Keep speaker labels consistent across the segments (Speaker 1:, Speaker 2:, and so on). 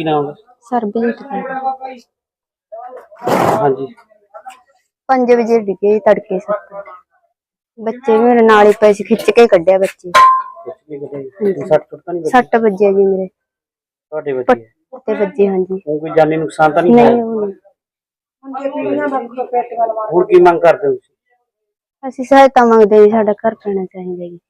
Speaker 1: ਕੀ ਨਾਮ ਹੈ?
Speaker 2: ਸਰਬਜੀਤ ਕੌਰ।
Speaker 1: ਹਾਂਜੀ
Speaker 2: 5 ਵਜੇ ਡਿੱਗੇ ਤੜਕੇ 7 ਬੱਚੇ ਵੀ ਮੇਰੇ ਨਾਲ ਹੀ ਪਏ ਸੀ, ਖਿੱਚ ਕੇ ਕੱਢਿਆ ਬੱਚੇ। 6 ਵਜੇ ਜੀ ਮੇਰੇ
Speaker 1: ਤੁਹਾਡੇ ਬੱਚੇ
Speaker 2: ਤੇ ਵੱਜੇ। ਹਾਂਜੀ
Speaker 1: ਕੋਈ ਜਾਨੀ ਨੁਕਸਾਨ ਤਾਂ ਨਹੀਂ
Speaker 2: ਨਹੀਂ
Speaker 1: ਹੋਇਆ?
Speaker 2: ਹੋਣੀ।
Speaker 1: ਹੁਣ ਕੀ ਮੰਗ ਕਰਦੇ ਹੋ?
Speaker 2: ਅਸੀਂ ਸਹਾਇਤਾ ਮੰਗਦੇ ਜੀ, ਸਾਡਾ ਘਰ ਪੈਣਾ ਚਾਹੀਦਾ ਜੀ।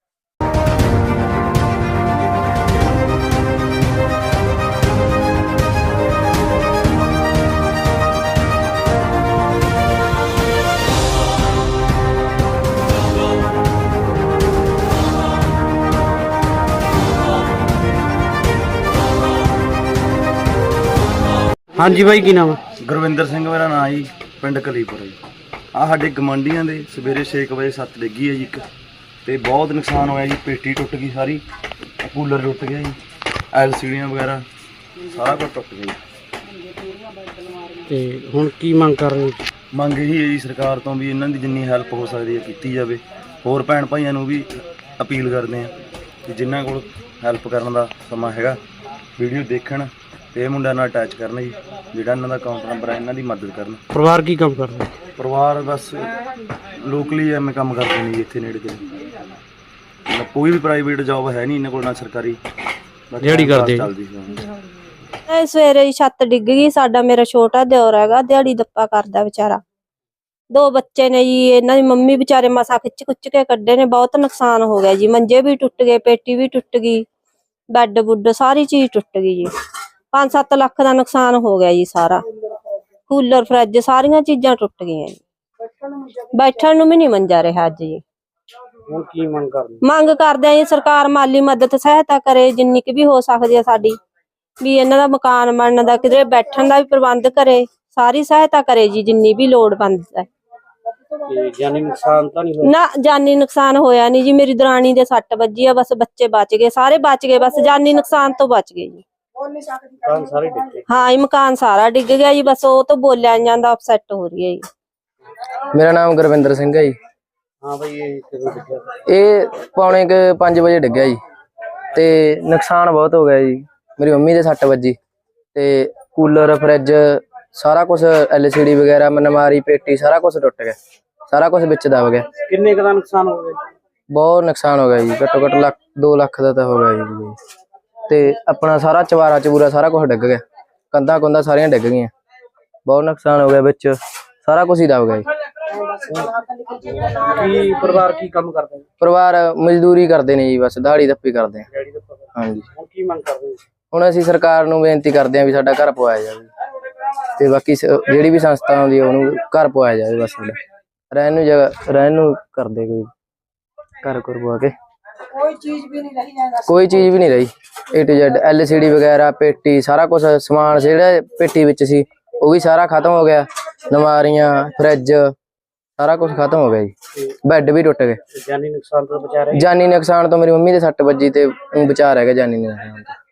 Speaker 1: ਹਾਂਜੀ ਬਾਈ ਕੀ ਨਾਮ ਹੈ?
Speaker 3: ਗੁਰਵਿੰਦਰ ਸਿੰਘ ਮੇਰਾ ਨਾਂ ਜੀ, ਪਿੰਡ ਕਲੀਪੁਰ ਜੀ। ਆਹ ਸਾਡੇ ਗਵਾਂਢੀਆਂ ਦੇ ਸਵੇਰੇ 6 ਵਜੇ ਸੱਤ ਡਿੱਗੀ ਹੈ ਜੀ ਇੱਕ, ਤੇ ਬਹੁਤ ਨੁਕਸਾਨ ਹੋਇਆ ਜੀ। ਪੇਟੀ ਟੁੱਟ ਗਈ ਸਾਰੀ, ਕੂਲਰ ਟੁੱਟ ਗਿਆ ਜੀ, LCDਆਂ ਵਗੈਰਾ ਸਾਰਾ ਕੁਝ ਟੁੱਟ ਗਿਆ ਜੀ।
Speaker 1: ਤੇ ਹੁਣ ਕੀ ਮੰਗ ਕਰ ਰਹੇ ਹੋ?
Speaker 3: ਮੰਗ ਇਹੀ ਹੈ ਜੀ ਸਰਕਾਰ ਤੋਂ ਵੀ ਇਹਨਾਂ ਦੀ ਜਿੰਨੀ ਹੈਲਪ ਹੋ ਸਕਦੀ ਹੈ ਕੀਤੀ ਜਾਵੇ। ਹੋਰ ਭੈਣ ਭਾਈਆਂ ਨੂੰ ਵੀ ਅਪੀਲ ਕਰਦੇ ਹਾਂ ਕਿ ਜਿਨ੍ਹਾਂ ਕੋਲ ਹੈਲਪ ਕਰਨ ਦਾ ਸਮਾਂ ਹੈਗਾ ਵੀਡੀਓ ਦੇਖਣ ਤੇ ਇਹ ਮੁੰਡਿਆਂ ਨਾਲ ਅਟੈਚ ਕਰਨ ਜੀ। ਜਿਹੜਾ ਇਹਨਾਂ ਦਾ ਅਕਾਊਂਟ ਨੰਬਰ ਹੈ ਇਹਨਾਂ ਦੀ ਮਦਦ ਕਰਨ।
Speaker 1: ਪਰਿਵਾਰ ਕੀ ਕੰਮ ਕਰਦਾ?
Speaker 3: ਪਰਿਵਾਰ ਬਸ ਲੋਕਲੀ ਐਵੇਂ ਕੰਮ ਕਰਦੇ ਨੇ ਜੀ, ਇੱਥੇ ਨੇੜੇ ਤੇੜੇ। ਕੋਈ ਵੀ ਪ੍ਰਾਈਵੇਟ ਜੌਬ ਹੈ ਨਹੀਂ ਇਹਨਾਂ ਕੋਲ, ਨਾ ਸਰਕਾਰੀ।
Speaker 1: ਦਿਹਾੜੀ ਕਰਦੇ
Speaker 3: ਚੱਲਦੀ
Speaker 4: ਸਵੇਰੇ ਹੀ ਛੱਤ ਡਿੱਗ ਗਈ। ਸਾਡਾ ਮੇਰਾ ਛੋਟਾ ਦਿਓਰ ਹੈਗਾ, ਦਿਹਾੜੀ ਦੱਪਾ ਕਰਦਾ ਵਿਚਾਰਾ। 2 ਬੱਚੇ ਨੇ ਜੀ, ਇਹਨਾਂ ਦੀ ਮੰਮੀ ਵਿਚਾਰੇ ਮਸਾ ਖਿੱਚ ਖੁੱਚ ਕੇ ਕੱਢੇ ਨੇ। ਬਹੁਤ ਨੁਕਸਾਨ ਹੋ ਗਿਆ ਜੀ, ਮੰਜੇ ਵੀ ਟੁੱਟ ਗਏ, ਪੇਟੀ ਵੀ ਟੁੱਟ ਗਈ, ਬੈੱਡ ਬੁੱਡ ਸਾਰੀ ਚੀਜ਼ ਟੁੱਟ ਗਈ ਜੀ। 5-7 ਲੱਖ ਦਾ ਨੁਕਸਾਨ ਹੋ ਗਿਆ ਜੀ ਸਾਰਾ। ਕੂਲਰ ਫਰਿੱਜ ਸਾਰੀਆਂ ਚੀਜ਼ਾਂ ਟੁੱਟ ਗਈਆਂ ਜੀ। ਬੈਠਣ ਨੂੰ ਵੀ ਨਹੀਂ ਮੰਜਾ ਰਿਹਾ ਅੱਜ ਜੀ।
Speaker 1: ਹੁਣ ਕੀ ਮੰਗ ਕਰਦੇ?
Speaker 4: ਮੰਗ ਕਰਦੇ ਆ ਜੀ ਸਰਕਾਰ ਮਾਲੀ ਮਦਦ ਸਹਾਇਤਾ ਕਰੇ ਜਿੰਨੀ ਕੁ ਵੀ ਹੋ ਸਕਦੀ ਹੈ ਸਾਡੀ, ਵੀ ਇਹਨਾਂ ਦਾ ਮਕਾਨ ਬਣਨ ਦਾ, ਕਿਧਰੇ ਬੈਠਣ ਦਾ ਵੀ ਪ੍ਰਬੰਧ ਕਰੇ, ਸਾਰੀ ਸਹਾਇਤਾ ਕਰੇ ਜੀ ਜਿੰਨੀ ਵੀ ਲੋੜ ਪੈਂਦੀ ਹੈ।
Speaker 1: ਜਾਨੀ ਨੁਕਸਾਨ ਤਾਂ ਨਹੀਂ ਹੋਇਆ?
Speaker 4: ਨਾ ਜਾਨੀ ਨੁਕਸਾਨ ਹੋਇਆ ਨਹੀਂ ਜੀ। ਮੇਰੀ ਦਰਾਣੀ ਦੇ 6 ਵੱਜੀ ਆ, ਬਸ ਬੱਚੇ ਬਚ ਗਏ, ਸਾਰੇ ਬਚ ਗਏ, ਬਸ ਜਾਨੀ ਨੁਕਸਾਨ ਤੋਂ ਬਚ ਗਏ ਜੀ।
Speaker 1: ਸਾਰੇ ਡਿੱਗੇ?
Speaker 4: ਹਾਂ ਜੀ ਮਕਾਨ ਸਾਰਾ ਡਿੱਗ ਗਿਆ ਜੀ, ਬਸ ਉਹ ਤੋਂ ਬੋਲਿਆ ਨੀ ਜਾਂਦਾ, ਅਪਸੈਟ ਹੋ ਰਹੀ ਹੈ ਜੀ।
Speaker 5: ਮੇਰਾ ਨਾਮ ਗੁਰਵਿੰਦਰ ਸਿੰਘ ਹੈ ਜੀ।
Speaker 1: ਹਾਂ ਬਈ ਇਹ ਕਿਦੋਂ ਡਿੱਗਿਆ?
Speaker 5: ਇਹ ਪੌਣੇ 5 ਵਜੇ ਡਿੱਗਿਆ ਜੀ, ਤੇ ਨੁਕਸਾਨ ਬਹੁਤ ਹੋ ਗਿਆ ਜੀ। ਮੇਰੀ ਮੰਮੀ ਦੇ 6 ਵੱਜੀ, ਤੇ ਕੂਲਰ ਫਰਿੱਜ ਸਾਰਾ ਕੁਝ, LCD ਵਗੈਰਾ, ਮਨਮਾਰੀ, ਪੇਟੀ ਸਾਰਾ ਕੁਝ ਟੁੱਟ ਗਿਆ, ਸਾਰਾ ਕੁਝ ਵਿੱਚ ਦਬ ਗਿਆ।
Speaker 1: ਕਿੰਨੇ ਕੁ ਦਾ ਨੁਕਸਾਨ ਹੋ ਗਿਆ?
Speaker 5: ਬਹੁਤ ਨੁਕਸਾਨ ਹੋ ਗਿਆ ਜੀ, ਘੱਟੋ ਘੱਟ 2 ਲੱਖ ਦਾ ਤਾਂ ਹੋ ਗਿਆ ਜੀ। ਤੇ ਆਪਣਾ ਸਾਰਾ ਚਵਾਰਾ ਚਬੂਰਾ ਸਾਰਾ ਕੁਝ ਡਿੱਗ ਗਿਆ, ਕੰਧਾਂ ਕੁੰਧਾਂ ਸਾਰੀਆਂ ਡਿੱਗ ਗਈਆਂ। ਬਹੁਤ ਨੁਕਸਾਨ ਹੋ ਗਿਆ, ਵਿੱਚ ਸਾਰਾ ਕੁਝ ਹੀ ਦਬ ਗਿਆ ਜੀ।
Speaker 1: ਕੀ ਪਰਿਵਾਰ ਕੀ ਕੰਮ ਕਰਦਾ?
Speaker 5: ਪਰਿਵਾਰ ਮਜ਼ਦੂਰੀ ਕਰਦੇ ਨੇ ਜੀ, ਬਸ ਦਿਹਾੜੀ ਦੱਪੀ ਕਰਦੇ ਆ। ਹਾਂਜੀ
Speaker 1: ਹੁਣ ਕੀ ਮੰਗ ਕਰਦੇ ਹੋ?
Speaker 5: ਹੁਣ ਅਸੀਂ ਸਰਕਾਰ ਨੂੰ ਬੇਨਤੀ ਕਰਦੇ ਹਾਂ ਵੀ ਸਾਡਾ ਘਰ ਪਵਾਇਆ ਜਾਵੇ, ਤੇ ਬਾਕੀ ਜਿਹੜੀ ਵੀ ਸੰਸਥਾ ਆਉਂਦੀ ਹੈ ਉਹਨੂੰ ਘਰ ਪਵਾਇਆ ਜਾਵੇ। ਬਸ ਸਾਡਾ ਰਹਿਣ ਨੂੰ ਜਗ੍ਹਾ, ਰਹਿਣ ਨੂੰ ਕਰਦੇ ਕੋਈ ਘਰ ਪਵਾ ਕੇ। ਕੋਈ ਚੀਜ਼ ਵੀ ਨਹੀਂ ਰਹੀ। A to Z LCD ਵਗੈਰਾ, ਪੇਟੀ ਸਾਰਾ ਕੁਝ ਸਮਾਨ ਜਿਹੜਾ ਪੇਟੀ ਵਿੱਚ ਸੀ ਉਹ ਵੀ ਸਾਰਾ ਖਤਮ ਹੋ ਗਿਆ। ਨਮਾਰੀਆਂ, ਫਰਿੱਜ ਸਾਰਾ ਕੁਝ ਖਤਮ ਹੋ ਗਿਆ ਜੀ। ਬੈੱਡ ਵੀ ਟੁੱਟ ਗਏ।
Speaker 1: ਜਾਨੀ ਨੁਕਸਾਨ ਤੋਂ ਬਚਾ ਰਹੇ?
Speaker 5: ਜਾਨੀ ਨੁਕਸਾਨ ਤੋਂ ਮੇਰੀ ਮੰਮੀ ਦੇ 6 ਵੱਜੀ, ਤੇ ਬਚਾ ਰਹਿ ਗਿਆ ਜਾਨੀ ਨੁਕਸਾਨ ਤੋਂ।